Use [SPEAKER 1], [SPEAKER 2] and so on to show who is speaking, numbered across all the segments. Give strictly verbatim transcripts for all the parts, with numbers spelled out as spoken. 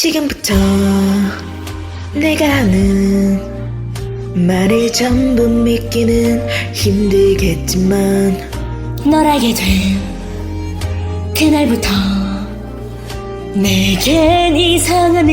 [SPEAKER 1] 지금부터 내가 하는 말을 전부 믿기는 힘들겠지만
[SPEAKER 2] 널 알게 된 그날부터 내겐 이상한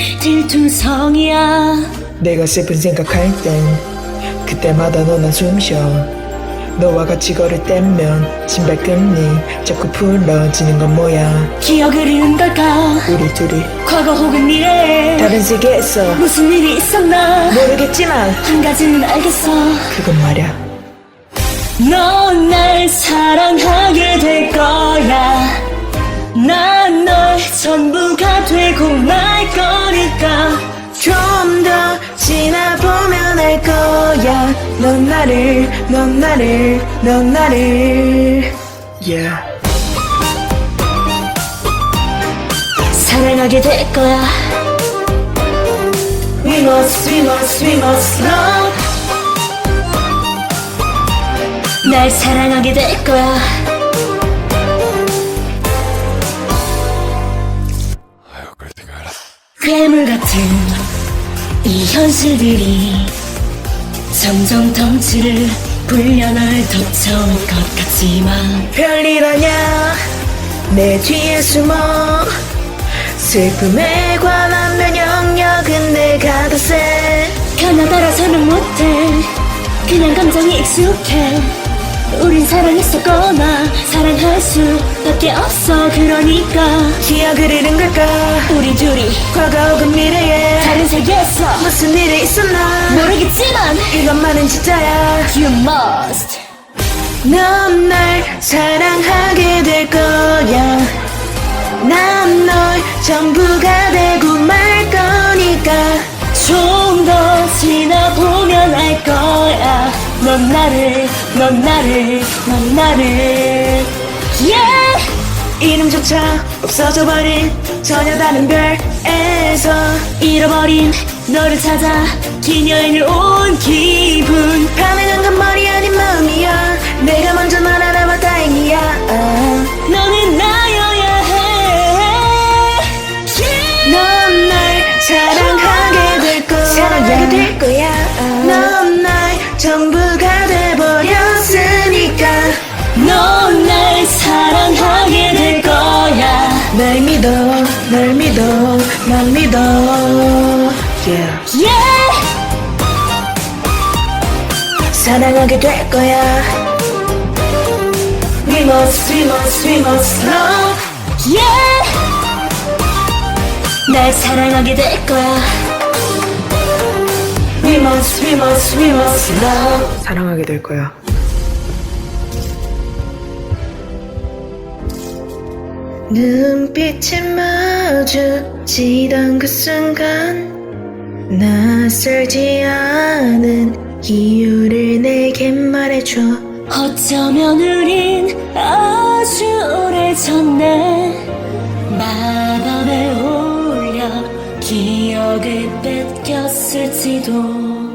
[SPEAKER 2] 일들투성이야.
[SPEAKER 1] 내가 슬픈 생각할 땐 그때마다 너나 숨쉬어. 너와 같이 걸을 때면 신발끈이 자꾸 풀어지는 건 뭐야.
[SPEAKER 2] 기억을 잃은 걸까?
[SPEAKER 1] 우리 둘이
[SPEAKER 2] 과거 혹은 미래에
[SPEAKER 1] 다른 세계에서
[SPEAKER 2] 무슨 일이 있었나?
[SPEAKER 1] 모르겠지만
[SPEAKER 2] 한 가지는 알겠어.
[SPEAKER 1] 그건 말야,
[SPEAKER 2] 넌 날 사랑하게 될 거야. 난 널 전부가 되고 말 거니까.
[SPEAKER 1] 좀 더 지나보면 알 거야. 넌 나를 넌 나를 넌 나를 yeah.
[SPEAKER 2] 사랑하게 될 거야. We must, we must, we must love. 날 사랑하게 될 거야. 괴물 같은 이 현실들이 점점 덩치를 불려 널 덮쳐올 것 같지만
[SPEAKER 1] 별일 아냐 내 뒤에 숨어. 슬픔에 관한 면역력은 내가 더 세.
[SPEAKER 2] 하나 따라서는 못해. 그냥 감정이 익숙해. 우린 사랑했었거나 사랑할 수밖에 없어. 그러니까
[SPEAKER 1] 기억을 잃은 걸까?
[SPEAKER 2] 우리 둘이
[SPEAKER 1] 과거 혹은 미래에
[SPEAKER 2] 다른 세계에서
[SPEAKER 1] 무슨 일이 있었나
[SPEAKER 2] 모르겠지만
[SPEAKER 1] 이것만은 진짜야.
[SPEAKER 2] You must.
[SPEAKER 1] 넌 날 사랑하게 될 거야. 난 널 전부가 되고 말 거니까.
[SPEAKER 2] 좀 더 지나보면 알 거야. 넌 나를 넌 나를 넌 나를 yeah!
[SPEAKER 1] 이름조차 없어져버린 전혀 다른 별에서
[SPEAKER 2] 잃어버린 너를 찾아 긴 여행을 온 기분.
[SPEAKER 1] 가능한 건 머리 아닌 마음이야. 내가 먼저 널 알아봐 다행이야. 아.
[SPEAKER 2] 너는 나여야 해. yeah!
[SPEAKER 1] 넌 날 사랑하게 될 거야. 사랑하게 될 거야. 아. 넌 날 전부가 돼버렸으니까.
[SPEAKER 2] 넌 날 사랑하게 될 거야.
[SPEAKER 1] 날 믿어 날 믿어 난 믿어 yeah.
[SPEAKER 2] yeah!
[SPEAKER 1] 사랑하게 될 거야. We must we must we must love.
[SPEAKER 2] yeah! 날 사랑하게 될 거야.
[SPEAKER 1] We must we must we must love. 사랑하게 될 거야. 눈빛이 마주치던 그 순간 낯설지 않은 이유를 내게 말해줘.
[SPEAKER 2] 어쩌면 우린 아주 오래전에 마법에 올려 기억을 뺏겼을지도.